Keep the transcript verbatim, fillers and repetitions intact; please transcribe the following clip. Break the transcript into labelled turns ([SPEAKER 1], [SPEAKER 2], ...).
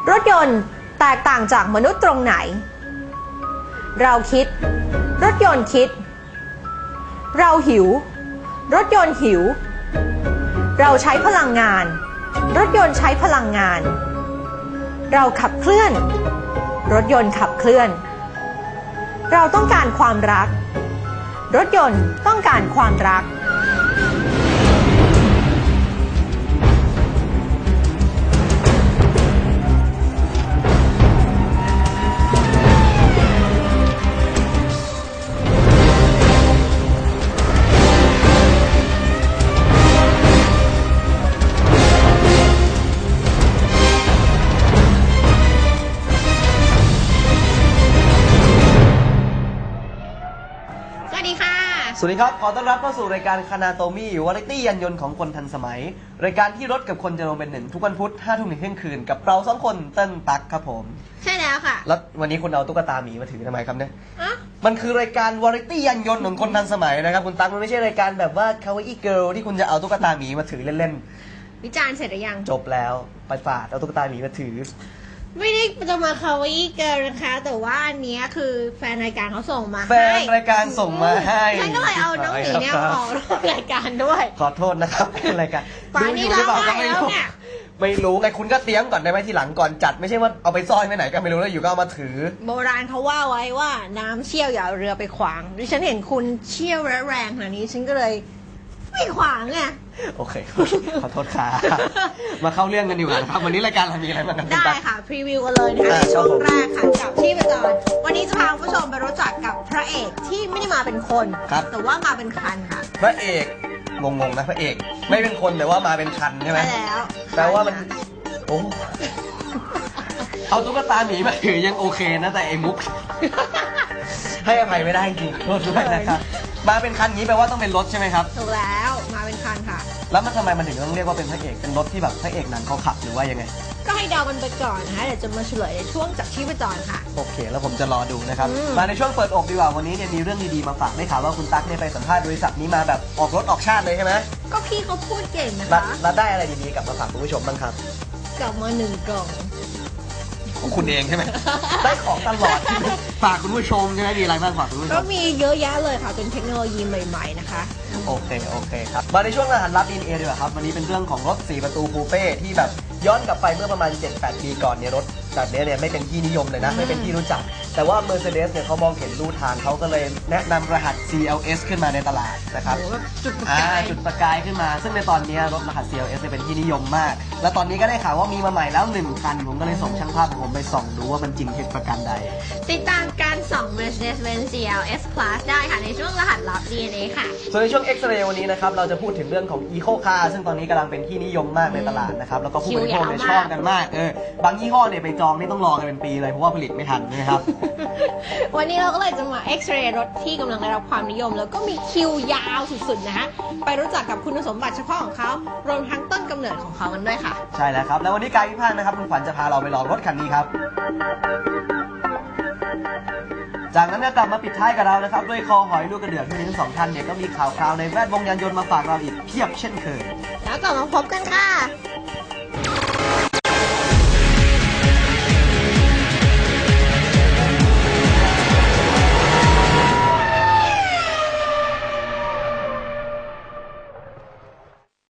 [SPEAKER 1] รถยนต์แตกต่างจากมนุษย์ตรงไหนเราคิดรถยนต์คิดเราหิวรถยนต์หิวเราใช้พลังงานรถยนต์ใช้พลังงานเราขับเคลื่อนรถยนต์ขับเคลื่อนเราต้องการความรักรถยนต์ต้องการความรัก
[SPEAKER 2] สวัสดีครับขอต้อนรับเข้าสู่รายการคานาโตมี่วาไรตี้ยันยนต์ของคนทันสมัยรายการที่รถกับคนจะลงเป็นหนึ่งทุกวันพุธห้าทุ่มถึงเที่ยงคืนกับเราสองคนเติ้ลตั๊กครับผม
[SPEAKER 1] ใช่แล้วค่ะ
[SPEAKER 2] แล้ววันนี้คุณเอาตุ๊กตาหมีมาถือทำไมครับเนี่ยมันคือรายการวาไรตี้ยันยนต์ของคนทันสมัยนะครับคุณตั๊กมันไม่ใช่รายการแบบว่าคาวาอี้เกิร์ลที่คุณจะเอาตุ๊กตาหมีมาถือเล่น
[SPEAKER 1] ๆวิจารณ์เสร็จหรือยัง
[SPEAKER 2] จบแล้วไปฝาดเอาตุ๊กตาหมีมาถือ
[SPEAKER 1] ไม่ได้จะมาคาวาอี้เกิร์ลนะคะแต่ว่าอันนี้คือแฟนรายการเขาส่งมาให้
[SPEAKER 2] แฟนรายการส่งมาให้
[SPEAKER 1] ฉันก็เลยเอาน้องหมีเนี่ยออกรายการด้วย
[SPEAKER 2] ขอโทษนะครับเป็นรายการ
[SPEAKER 1] ดูอยู่หรือเปล่าก็ไม่รู้
[SPEAKER 2] ไม่รู้ไงคุณก็เตรียมก่อนได้ไหมทีหลังก่อนจัดไม่ใช่ว่าเอาไปซ่อนไว้ไหนก็ไม่รู้แล้วอยู่ก็เอามาถือ
[SPEAKER 1] โบราณเขาว่าไว้ว่าน้ำเชี่ยวอย่าเรือไปขวางดิฉันเห็นคุณเชี่ยวและแรงขนาดนี้ฉันก็เลยไม่ขวางไง
[SPEAKER 2] โอเคขอโทษค่ะมาเข้าเรื่องกันดีกว่านะครับวันนี้รายการเรามีอะไรบ้างกัน
[SPEAKER 1] ได้ค่ะพรีวิวกันเลยนะคะในช่วงแรกค่ะกับที่ประจรวันนี้จะพาผู้ชมไปรู้จักกับพระเอกที่ไม่ได้มาเป็นคนแต่ว่ามาเป็นคันค่ะ
[SPEAKER 2] พระเอกงงๆนะพระเอกไม่เป็นคนแต่ว่ามาเป็นคันใช่ไหม
[SPEAKER 1] ใช่แล้ว
[SPEAKER 2] แปลว่ามันโอ้เอาตุ๊กตาหมีมาถือยังโอเคนะแต่ไอ้มุกให้อภัยไม่ได้จริงโทษด้วยนะครับมาเป็นคันนี้แปลว่าต้องเป็นรถใช่ไหมครับ
[SPEAKER 1] ถูกแล้วมาเป็นคันค่ะ
[SPEAKER 2] แล้วมันทำไมมันถึงต้องเรียกว่าเป็นพระเอกเป็นรถที่แบบพระเอกหนังเขาขับหรือว่ายังไง
[SPEAKER 1] ก็ให้เดากันไปก่อนนะคะเดี๋ยวจะมาเฉลยในช่วงจากที่ประจรค่ะ
[SPEAKER 2] โอเคแล้วผมจะรอดูนะครับมาในช่วงเปิดอกดีกว่าวันนี้เนี่ยมีเรื่องดีๆมาฝากได้ข่าวว่าคุณตั๊กเนี่ยไปสัมภาษณ์บริษัทนี้มาแบบออกรถออกชาติเลยใช่ไหม
[SPEAKER 1] ก็พี่เขาพูดเก่งนะคะ
[SPEAKER 2] แล้วได้อะไรดีๆกลับมาฝากคุณผู้ชมบ้างครับ
[SPEAKER 1] กลับมาหนึ่งกล่อง
[SPEAKER 2] ของคุณเองใช่ไหมได้ของตลอดฝากคุณผู้ชมใช่ไหมมีอะไรบ้างฝากคุณผู้ชม
[SPEAKER 1] ก็มีเยอะแยะเลยค่ะเป็นเทคโนโลยีใหม่ๆนะคะ
[SPEAKER 2] โอเคโอเคครับมาในช่วงรหัสลับ ดี เอ็น เอ ดีกว่าครับวันนี้เป็นเรื่องของรถสี่ประตูคูเป้ที่แบบย้อนกลับไปเมื่อประมาณ เจ็ดแปด ปีก่อนเนี่ยรถแบบนี้เนี่ยไม่เป็นที่นิยมเลยนะไม่เป็นที่รู้จักแต่ว่า Mercedes เนี่ยเขามองเห็นรูทางเขาก็เลยแนะนำรหัส ซี แอล เอส ขึ้นมาในตลาดนะครับ
[SPEAKER 1] จุดประกาย
[SPEAKER 2] จุดประกายขึ้นมาซึ่งในตอนนี้รถรหัส ซี แอล เอส เป็นที่นิยมมากและตอนนี้ก็ได้ข่าวว่ามีมาใหม่แล้วหนึ่งคันผมก็เลยส่งช่างภาพของผมไปส่องดูว่ามันจริงเท็จประการใด
[SPEAKER 1] ติดตามการส่อง Mercedes-Benz ซี แอล เอส Class ได้ค่ะในช่วงรหัสลับ ดี เอ็น เอ ค่ะ
[SPEAKER 2] ส่วนในช่วง X-Ray วันนี้นะครับเราจะพูดถึงเรื่องของ Eco Car ซึ่งตอนนี้กำลังเป็นที่นิยมมากในตลาดนะครับแล้วก็ผู้บริโภคเนี่ยชอบกันมากเออบางยี่ห้อเนี่ยไปจองนี่ต้องรอกันเป็นปีเลยเพราะว่าผลิตไม่ทันนะครับ
[SPEAKER 1] วันนี้เราก็เลยจะมา X-Ray รถที่กำลังได้รับความนิยมแล้วก็มีคิวยาวสุดๆนะคะไปรู้จักกับคุณสมบัติเฉพาะของเขารวมทั้งต้นกำเนิดของเขากันด้วยค่ะ
[SPEAKER 2] ใช่แล้วครับแล้ววันนี้กายพิพากษ์นะครับคุณขวัญจะพาเราไปลองรถคันนี้ครับจากนั้นก็กลับมาปิดท้ายกับเรานะครับด้วยคอหอยลูกกระเดือกที่ทั้งสองท่านเนี่ยก็มีข่าวคราวในแวดวงยานยนต์มาฝากเราอีกเพียบเช่นเคย
[SPEAKER 1] แล้วกลับมาพบกันค่ะ